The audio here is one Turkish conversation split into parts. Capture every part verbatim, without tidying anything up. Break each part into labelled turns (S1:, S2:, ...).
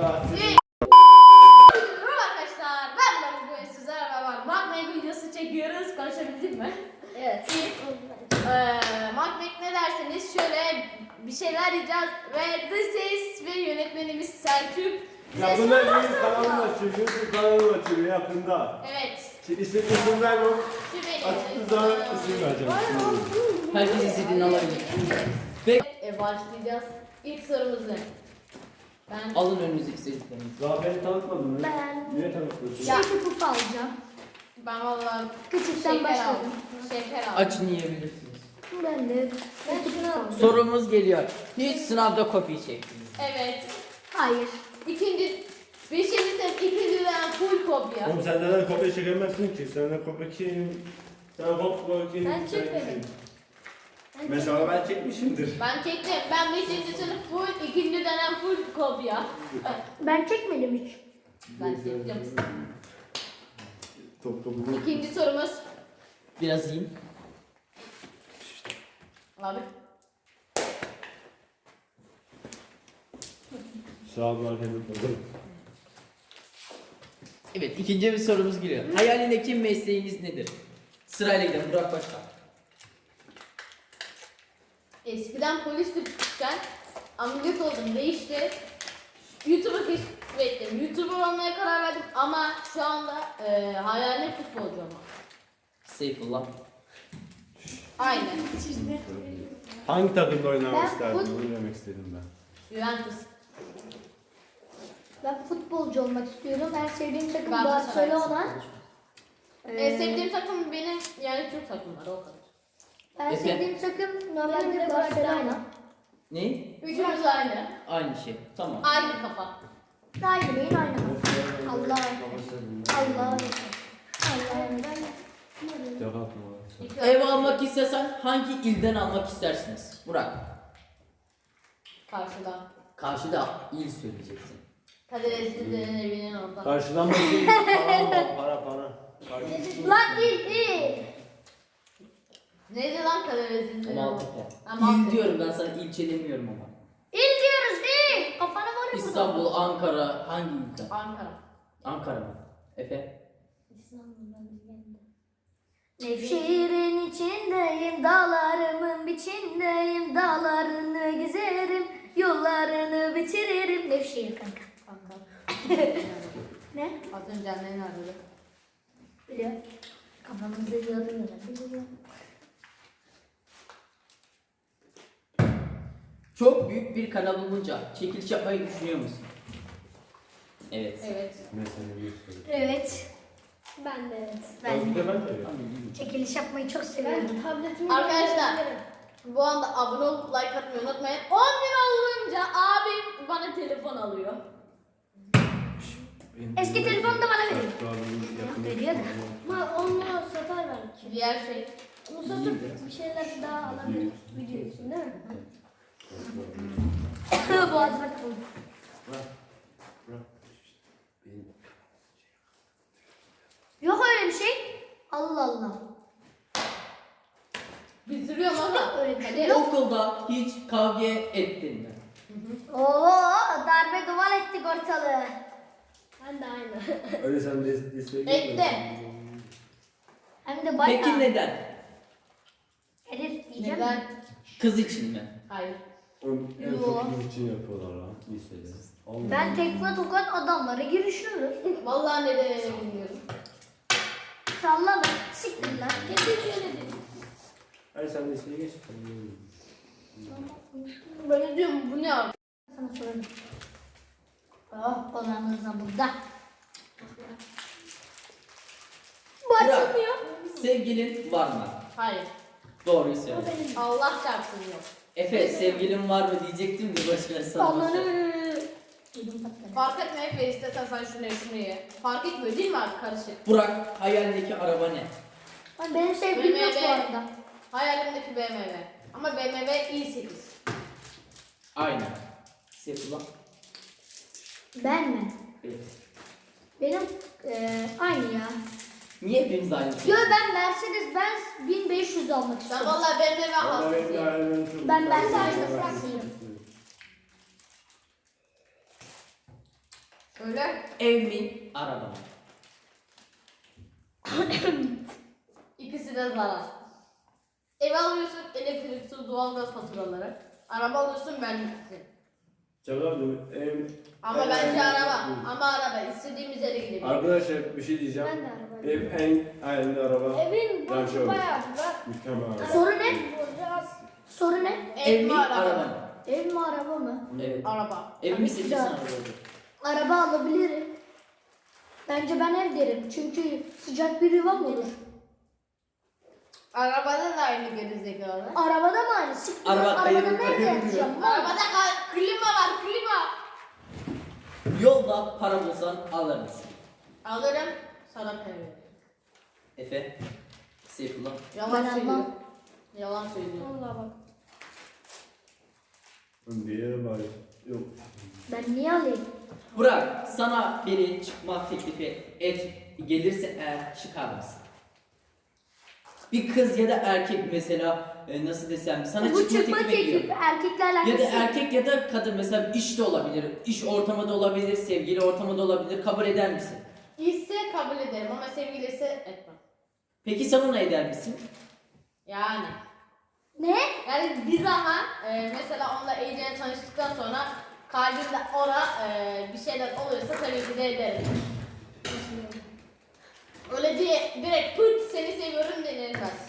S1: Allah.
S2: Merhaba arkadaşlar, ben Burak. Bugün sizlerle beraber Macbeth videosu çekiyoruz. Konuşabildik mi?
S3: Evet.
S2: Ee, Macbeth ne derseniz şöyle bir şeyler diyeceğiz ve The Ses ve yönetmenimiz Selçuk bize
S1: Yakında
S2: sorular
S1: yeni kanalını
S2: soracak.
S1: açıyor. YouTube kanalını açıyor yakında.
S2: Evet.
S1: Şimdi istediğin isimler yok.
S2: Şu benim.
S1: Açtığı zaman isim vereceğim.
S4: Herkes istediğini alabilir. Ve
S2: Ee, başlayacağız. İlk sorumuz ne? Ben
S4: alın önünüzdeki sevdiklerinizi.
S1: Daha beni tanıtmadın mı?
S3: Ben-
S1: Niye tanıtmıyorsun?
S2: Ya.
S3: Şeker pufu alacağım.
S2: ben vallahi
S3: Küçükten
S2: şeker
S3: başladım.
S2: aldım. Şeker aldım.
S4: Açın yiyebilirsiniz.
S3: Ben de. Ben şunu aldım.
S4: Sorumuz geliyor. Hiç sınavda kopya çektiniz.
S2: Evet.
S3: Hayır.
S2: İkinci Beşinci sınıf ikinci dönem full kopya.
S1: Oğlum sen neden kopya çekemezsin ki? Senden kopya kim? Sen kopya kim?
S3: Ben
S1: Sen
S3: çekmedim.
S1: kim?
S3: Ben
S1: Mesela ben çekmişimdir.
S2: Ben çektim. Ben beşinci sınıf full, ikinci dönem full kopya.
S3: Ben çekmedim hiç.
S2: Ben çektim.
S1: Top topu.
S2: İkinci sorumuz.
S4: Biraz yiyin.
S2: Abi.
S1: Sağ ol arkadaşlar.
S4: Evet, ikinci bir sorumuz geliyor. Hayalindeki mesleğiniz nedir? Sırayla gidelim. Burak başla.
S2: Eskiden polistik küçükken ameliyat oldum. Değişti. YouTube'a keşfettim. YouTuber olmaya karar verdim ama şu anda e, hayalim futbolcu olmak.
S4: Seyfullah.
S2: Aynen.
S1: Hangi takımda oynamak
S3: Ben
S1: isterdin?
S3: fut-
S1: Onu demek istedim ben.
S2: Juventus.
S3: Ben futbolcu olmak istiyorum. En sevdiğim takım
S2: Ben
S3: Barcelona.
S2: En sevdiğim takım benim yani Türk takımları o kadar.
S3: En
S4: Efe.
S3: sevdiğim takım normalde Barcelona.
S4: Ne?
S2: Üçümüz aynı.
S4: Aynı şey. Tamam.
S2: Aynı kafa.
S3: Aynı beyin aynı. Allah. Allah. Allah.
S2: İki
S4: Ev
S2: örnek.
S4: almak istesen hangi ilden almak istersiniz? Burak.
S2: Karşıdan.
S4: Karşıda il söyleyeceksin.
S2: Kadir Esli'nin evinin orada.
S1: Karşıdan bakayım. Para bak, para para. Karşı-
S3: Lan il il.
S2: Neydi lan Kadir Esli'nin?
S4: Maltepe.
S2: Ha,
S4: İl
S2: Maltepe.
S4: diyorum, ben sana ilçe demiyorum ama.
S3: İl diyoruz il. Kafana var ya burada.
S4: İstanbul, Ankara, hangi ilden?
S2: Ankara.
S4: Ankara mı? Efe?
S3: Nevşehir'in içindeyim, dağlarımın biçindeyim, dağlarını gezerim, yollarını bitiririm. Nevşehir kanka.
S2: Kanka.
S3: Ne?
S2: Az önce annen aradı.
S3: Biliyor. Kafamızı yormuyor. Biliyor.
S4: Çok büyük bir kanal olunca çekiliş yapmayı düşünüyor musun? Evet.
S2: Evet.
S1: Mesela bir soru.
S3: Evet. Ben de evet.
S1: Ben
S3: Ben
S1: de ben de.
S3: çekiliş yapmayı çok seviyorum.
S2: Arkadaşlar bu anda abone olup like atmayı unutmayın. on bin olunca abim bana telefon alıyor.
S3: Eski telefonu da bana verin.
S1: Yakın-
S3: Veriyor da. Ama onu satar belki.
S2: Diğer şey.
S3: Onu satıp bir şeyler daha alabilir. Video için değil mi? Boğazıma tıkıldı. Yok öyle bir şey. Allah Allah.
S2: Bitiriyorum ama.
S3: Öyle bir şey
S2: Hadi.
S3: yok.
S4: Okulda hiç kavga ettin mi?
S3: Oo, darbe duvar ettik ortalığı. Ben de aynı.
S1: Öyle sen de destek
S2: Ekle.
S3: Hem de bayağı.
S4: Peki neden?
S3: Erir diyeceğim.
S2: Neden?
S4: Kız için mi?
S2: Hayır.
S1: Oğlum en
S3: Yo.
S1: çok kız için yapıyorlar ha lisede. Allah.
S3: Ben tekme tokat adamlara girişiyorum.
S2: Vallahi neden bilmiyorum.
S3: Sallama. Siktir lan. Kesin şöyle dedim.
S1: Hayır sen de liseye geç.
S2: Ben de diyorum bu ne abi?
S3: Sana sorarım. Oh, olanınız da burada. Bu
S4: Burak,
S3: açılmıyor.
S4: sevgilin var mı?
S2: Hayır.
S4: Doğruyu söyle.
S2: Allah çarpsın yok.
S4: Efe, sevgilin var mı diyecektim de başına sana.
S3: Onları. Yedim patladı.
S2: Fark etmiyor Efe istesen sen şunu ye şunu ye. Fark etmiyor değil mi abi karışık?
S4: Burak, hayalindeki araba ne?
S3: Ay, benim sevgilim yok bu
S2: B M W.
S3: arada.
S2: Hayalimdeki B M W. Ama B M W i sekiz.
S4: Aynen. Seyfullah.
S3: Ben mi?
S4: Evet.
S3: Benim eee aynı ya.
S4: Niye hepimiz aynı?
S3: Yo, ben Mercedes Benz bin beş yüz almak
S2: Ben
S3: istiyorum.
S2: vallahi B M W
S1: Vallahi benim de
S2: hastasıyım.
S1: hayalim çok-
S3: Ben- ben de
S1: Ben-
S3: aynı
S1: ben-
S3: Fransızım.
S2: Öyle.
S4: Ev mi, araba mı?
S2: İkisi de zarar. Ev alıyorsun elektrik, su, doğalgaz faturaları. Araba alıyorsun vergisi.
S1: Çakaldım. Ev...
S2: Ama
S1: ev-
S2: bence
S1: ev-
S2: araba. Ama araba istediğimiz yere gidebiliriz.
S1: Arkadaşlar bir şey
S3: Ben
S1: diyeceğim.
S3: de araba.
S1: Ev en hayalinde araba.
S3: Evin
S1: Ben
S3: boyutu
S1: şöyle.
S3: bayağı var.
S1: Mükemmel araba.
S3: Soru ne? Soru ne?
S2: Ev,
S4: Ev mi,
S2: mi araba?
S4: araba mı?
S3: Ev mi araba mı?
S4: Evet.
S2: Araba.
S4: Ev mi
S3: Tabii
S4: seçeceksin,
S3: ki de.
S4: araba olur.
S3: Araba alabilirim. Bence ben ev derim. Çünkü sıcak bir yuvam olur.
S2: Arabada da aynı gerizekalı.
S3: Arabada mı aynı? Siktir.
S4: Araba
S3: Arabada
S4: kayıyor,
S3: nerede
S4: kayıyor.
S3: yatacağım?
S2: Arabada ka- klima var klima.
S4: Yolda para bulsan alır mısın?
S2: Alırım sana para veririm.
S4: Efe, Seyfullah.
S2: Yalan
S3: Ben
S2: söylüyor.
S3: almam.
S2: Yalan söylüyor.
S3: Vallahi bak.
S1: Diye bari. Yok.
S3: Ben niye alayım?
S4: Burak, sana biri çıkma teklifi et gelirse eğer çıkar mısın? Bir kız ya da erkek mesela e, nasıl desem sana
S3: Bu
S4: çıkma
S3: çıkma
S4: teklifi ediyor.
S3: teklifi erkeklerle
S4: Ya da
S3: alakası yok.
S4: erkek ya da kadın mesela iş de olabilir, iş ortamı da olabilir, sevgili ortamı da olabilir. Kabul eder misin?
S2: İşse kabul ederim ama sevgilisi etmem.
S4: Peki sen ona eder misin?
S2: Yani.
S3: Ne?
S2: Yani bir zaman e, mesela onunla iyice tanıştıktan sonra kalbimde ona e, bir şeyler oluyorsa tabii ki de ederim. Öyle diye direkt pıt seni seviyorum denilmez.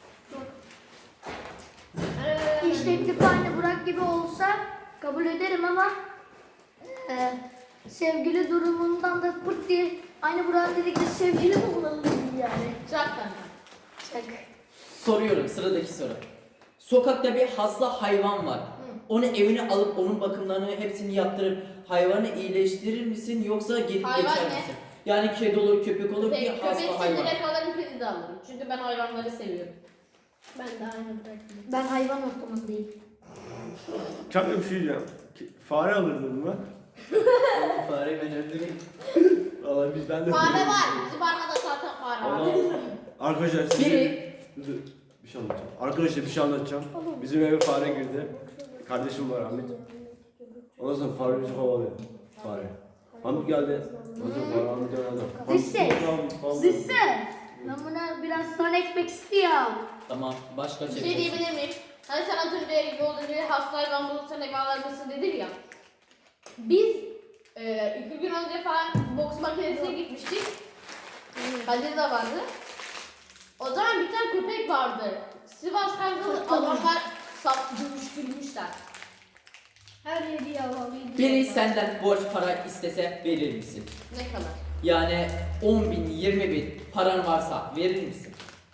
S3: İş teklifi aynı Burak gibi olsa kabul ederim ama e, sevgili durumundan da pırt diye aynı Burak dedikleri sevgili mi olalım yani?
S2: Çaktan.
S3: Çak.
S4: Soruyorum sıradaki soru. Sokakta bir hasta hayvan var. Onu evine alıp onun bakımlarını hepsini yaptırıp hayvanı iyileştirir misin yoksa gelip
S2: Hayvan
S4: geçer
S2: ne?
S4: misin? Yani kedi olur, köpek olur, bir
S2: Peki
S4: hasta
S2: köpek
S4: hayvan.
S2: direkt alırım, kedi de alırım. Çünkü ben hayvanları seviyorum.
S3: Ben de aynı Burak gibi. Ben hayvan ortamındayım.
S1: Çok bir şey diyeceğim. Ki- Fare alırdın mı?
S4: Fareyi ben öldüreyim.
S1: Vallahi biz ben de...
S2: Fare var. Bizim arkada zaten fare var.
S1: Allah. Arkadaşlar size...
S4: Biri-
S1: Dur, dur, bir şey anlatacağım. Arkadaşlar bir şey anlatacağım. Bizim eve fare girdi. Kardeşim var Hamit. Ondan sonra fare bizi kovalıyor. Fare. Hamit geldi. Ondan sonra fare Hamit öğrendi.
S3: This is- This is- Ben buna biraz sonra ekmek istiyorum.
S4: Tamam, başka
S2: Bir şey
S4: çevirsin.
S2: diyebilir miyim? Hani sen az önce yolda bir hasta hayvan bulursan eve alır mısın dedin ya. Biz e, iki gün önce falan boks makinesine gitmiştik. Kadir de vardı. O zaman bir tane köpek vardı. Sivas Kangalı adamlar sap dövüştürmüşler.
S3: Her yeri yavalıydı.
S4: Biri senden borç para istese verir misin?
S2: Ne kadar?
S4: Yani on bin, yirmi bin paran varsa verir misin?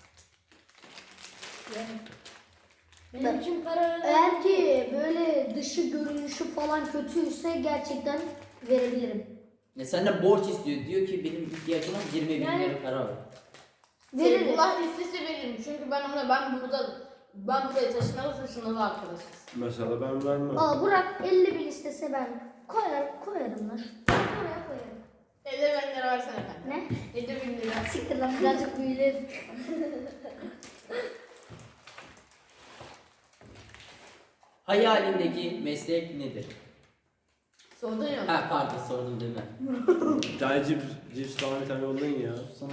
S3: Benim için para eğer ki böyle dışı görünüşü falan kötüyse gerçekten verebilirim.
S4: Ya senden borç istiyor. Diyor ki benim ihtiyacım var yirmi bin
S3: Yani-
S4: lira para var.
S3: Veririm.
S2: Allah istese veririm. Çünkü ben ona ben burada ben buraya taşınalı taşınalı arkadaşız.
S1: Mesela ben vermem.
S3: Aa Burak elli bin istese ben koyar, koyarım lan. Oraya koyarım.
S2: elli bin lira versene efendim.
S3: Ne?
S2: elli bin lira.
S3: Siktir lan birazcık büyülerim.
S4: Hayalindeki meslek nedir?
S2: Sordun ya.
S4: Ha pardon sordum değil mi?
S1: Bir tane cips, cips falan bir tane yollayın ya.
S4: Sana.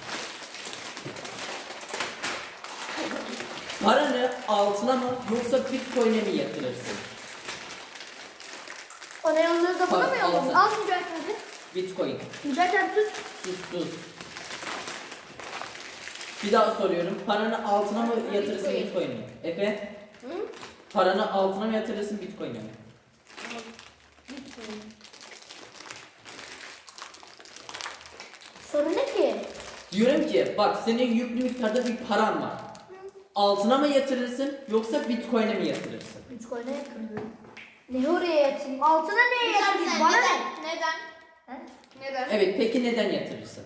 S4: Paranı altına mı yoksa bitcoin'e mi yatırırsın?
S3: Ona yolluyor da bana mı
S4: Bak,
S3: yolluyor?
S4: altın.
S3: Al Mücahit abi.
S4: Bitcoin.
S3: Mücahit abi tut.
S4: Sus sus. Bir daha soruyorum. Paranı altına mı yatırırsın
S2: Bitcoin.
S4: bitcoin'e mi? Efe?
S2: Hı?
S4: Paranı altına mı yatırırsın bitcoin'e mi?
S3: Soru ne ki?
S4: Diyorum ki bak senin yüklü miktarda bir paran var. Altına mı yatırırsın yoksa bitcoin'e mi yatırırsın?
S3: Bitcoin'e yatırıyorum. Ne oraya yatırayım? Altına neye
S2: Neden?
S3: yatırayım? Bana ne?
S2: Neden? Neden?
S3: He?
S2: Neden?
S4: Evet peki neden yatırırsın?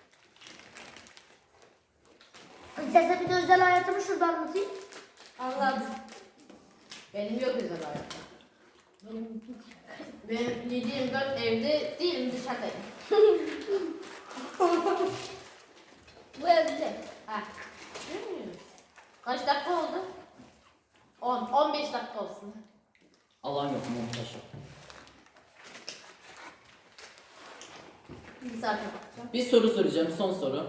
S3: İstersen bir de özel hayatımı şurada anlatayım.
S2: Anlat. Benim yok özel hayatım.
S3: Benim
S2: Benim yedi yirmi dört evde değilim dışarıdayım.
S3: bu evde.
S2: Ha. Kaç dakika oldu? on, on beş dakika olsun.
S4: Alan yok montaj yok.
S2: Bir saate bakacağım.
S4: Bir soru soracağım, son soru.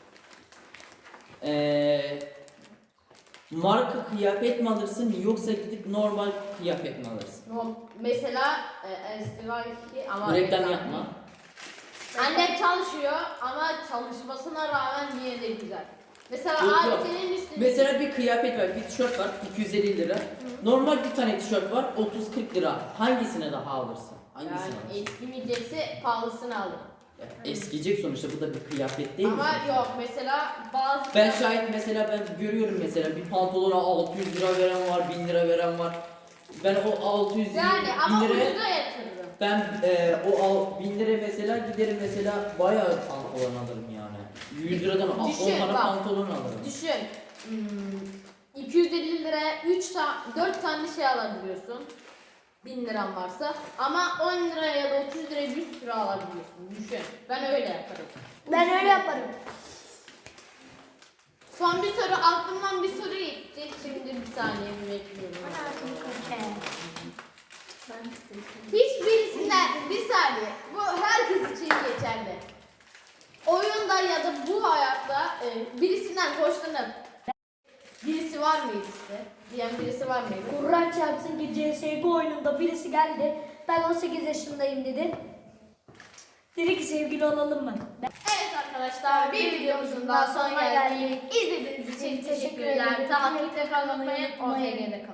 S4: Ee, marka kıyafet mi alırsın yoksa gidip normal kıyafet mi alırsın?
S2: No, mesela e, Estivaki ama
S4: Reklam yapma.
S2: Annem çalışıyor ama çalışmasına rağmen yine de güzel. Mesela
S4: Yok,
S2: abi
S4: yok.
S2: senin üstüne
S4: Mesela bir kıyafet var, bir tişört var iki yüz elli lira. Normal bir tane tişört var otuz kırk lira. Hangisine daha alırsın? Hangisini
S2: yani
S4: alırsın?
S2: eskimeyecekse pahalısını alırım.
S4: Ya, eskiyecek sonuçta, bu da bir kıyafet değil mi?
S2: Ama yok mesela bazı
S4: Ben şahit mesela, ben görüyorum mesela bir pantolona altı yüz lira veren var, bin lira veren var. Ben o altı yüz
S2: yani ama
S4: bin liraya,
S2: ucuza yatırırım.
S4: ben e, o al, bin liraya mesela giderim mesela bayağı pantolon alırım yani. yüz liradan on
S2: Düşün,
S4: tane
S2: bak.
S4: pantolon alırım.
S2: Düşün. Hmm, iki yüz elli liraya üç ta dört tane şey alabiliyorsun. bin liran varsa ama on liraya ya da otuz liraya bir sürü alabiliyorsun. Düşün. Ben öyle yaparım.
S3: Ben öyle yaparım.
S2: Son bir soru, aklımdan bir soru gitti. Şimdi bir saniye bir bekliyorum. Hiçbirisinden bir saniye. Bu herkes için geçerli. Oyunda ya da bu hayatta e, birisinden hoşlanıp birisi var mıydı size? Diyen birisi var mıydı?
S3: Kur'an çarpsın ki C S G O oyununda birisi geldi. Ben on sekiz yaşındayım dedi. Dedi ki sevgili olalım mı? Ben
S2: Evet arkadaşlar, bir videomuzun daha sonuna geldik. İzlediğiniz için teşekkür ederim. Takipte kalmayı, O T G'de kalın.